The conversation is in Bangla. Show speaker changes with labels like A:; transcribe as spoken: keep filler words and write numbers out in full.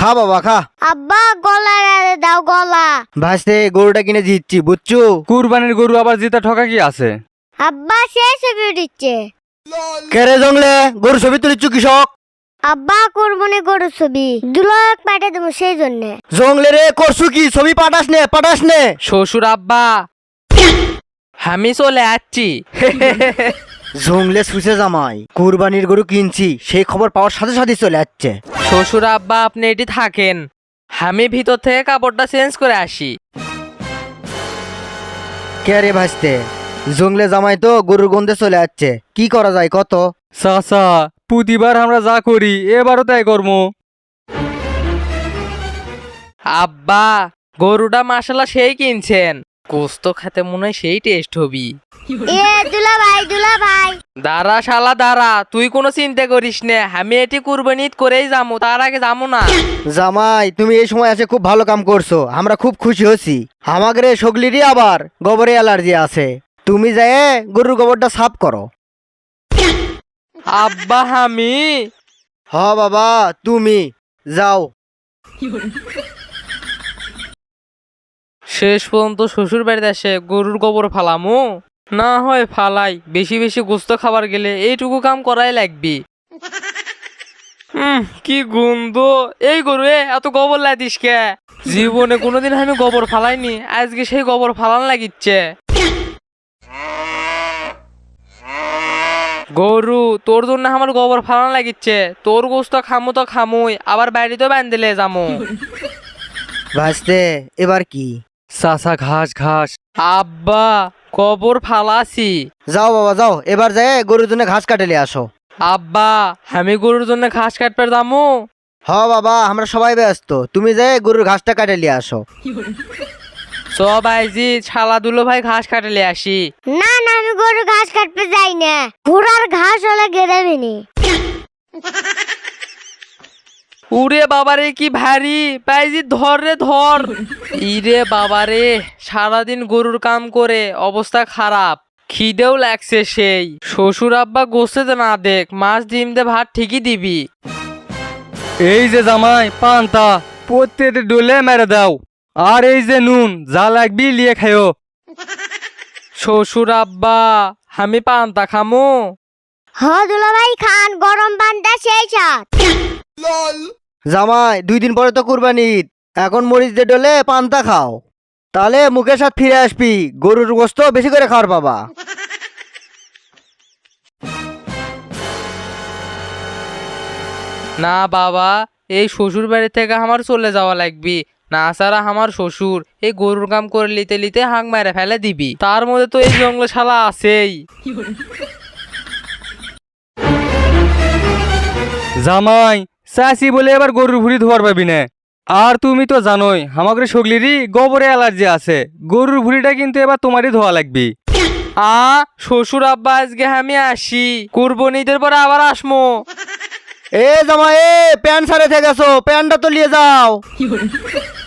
A: খা বাবা খা।
B: আব্বা গলা দাও গলা।
A: ভাইস্তে গরুটা কিনে দিচ্ছি বুঝছো।
C: কুরবানির গরু আবার জিতা ঠকা কি আছে?
B: আব্বা সেই ছবি দিচ্ছে।
A: কেরে জংলে গরু ছবি তুলিচ্ছ কৃষক?
B: আব্বা কুরবানি গরু ছবি দুলো এক পাঠে দেবো সেই জন্য।
A: জংলে রে করছু কি ছবি পাঠাস নে পাঠাস নে।
D: শ্বশুর আব্বা আমি চলে আসছি।
A: জংলে সুসে জামাই কুরবানির গরু কিনছি সেই খবর পাওয়ার সাথে সাথে চলে যাচ্ছে।
D: শ্বশুর আব্বা আপনি এটি থাকেন, আমি ভিতর থেকে কাপড়টা চেঞ্জ করে আসি।
A: কে রে ভাইস্তে জংলে জামাই তো গরুর গন্ধে চলে যাচ্ছে, কি করা যায় কত?
C: চাচা প্রতিবার আমরা যা করি এবারও তাই করবো।
D: আব্বা গরুটা মাশাআল্লাহ সেই কিনছেন, গোস্ত খেতে মনে হয় সেই টেস্ট হবি।
B: এ দুলা ভাই দুলা ভাই
D: দাঁড়া শালা দাঁড়া, তুই কোনো চিন্তা করিস না, আমি এটি কুরবানি ঈদ করেই যাবো, তার আগে যাবো না।
A: জামাই তুমি এই সময় এসে খুব ভালো কাম করছো, আমরা খুব খুশি হচ্ছি। আমাদের সগলিরই আবার গোবরে অ্যালার্জি আছে, তুমি যায় গরুর গোবরটা সাফ করো।
D: আব্বা আমি
A: হ বাবা তুমি যাও।
D: শেষ পর্যন্ত শ্বশুর বাড়িতে এসে গরুর গোবর ফালামু, না হয় ফালাই, বেশি বেশি গোস্ত খাবার গেলে এইটুকু কাম করাই লাগবি। হুম কি গন্ধ, এই গরু এ এত গোবর লাগিস কে? জীবনে কোনোদিন আমি গোবর ফালাইনি, আজকে সেই গোবর ফালান লাগিচ্ছে। গরু তোর জন্য আমার গোবর ফালান লাগিচ্ছে, তোর গোস্ত খামু তো খামুই, আবার বাড়িতেও বান্ধিলে যামু।
A: ভাসতে এবার কি?
C: চাচা ঘাস ঘাস।
D: আব্বা গোবর ফালাছি।
A: যাও বাবা যাও, এবার যায় গরুর জন্য ঘাস কাটেলে আসো।
D: আব্বা আমি গরুর জন্য ঘাস কাটতে যামু।
A: হ বাবা আমরা সবাই ব্যস্ত, তুমি যায় গরুর ঘাসটা কাটেলে আসো।
D: সব আইজি ছালা দুলো ভাই ঘাস কাটলে আসি।
B: না না আমি গরু ঘাস কাটতে যাই না, ঘোড়ার ঘাস হলে গেরাবিনি।
D: উরে বাবারে কি ভারী, পাইজি ধর রে ধর। ইরে বাবারে সারাদিন গরুর কাম করে অবস্থা খারাপ, খিদেও লাগছে সেই। শ্বশুর আব্বা গোসতে না দেখ, মাছ ডিম দে ভাত ঠিকই দিবি।
C: এই যে জামাই পান্তা প্রত্যেকটা ডোলে মেরে দাও, আর এই যে নুন যা লাগবি লিয়ে খাইও।
D: শ্বশুর আব্বা আমি পান্তা খামু।
B: হ দুলা ভাই খান, গরম পান্তা সেই সাথ।
A: জামাই দুই দিন পরে তো কুরবানি ঈদ, এখন মরিচ দিয়ে ডলে পান্তা খাও, তাহলে মুখের সাথে ফিরে আসবি, গরুর গোস্ত বেশি করে খাওয়ার বাবা।
D: না বাবা, এই শ্বশুর বাড়ি থেকে আমার চলে যাওয়া লাগবি, না সারা আমার শ্বশুর এই গরুর কাম করে লিতে লিতে হাঁক মেরে ফেলে দিবি, তার মধ্যে তো এই জঙ্গল শালা আছেই।
C: জামাই চাষি বলে এবার গরুর ভুড়ি ধোয়ার পাবি না। আর তুমি তো জানোই আমাদের সগলিরই গোবরে অ্যালার্জি আছে, গরুর ভুড়িটা কিন্তু এবার তোমারই ধোয়া লাগবি।
D: আ শ্বশুর আব্বা আজকে আমি আসি, কুরবানিদের পরে আবার আসমো।
A: এ জামাই এ প্যান্ট সারে থেকে গেছো, প্যান্টটা তো নিয়ে যাও।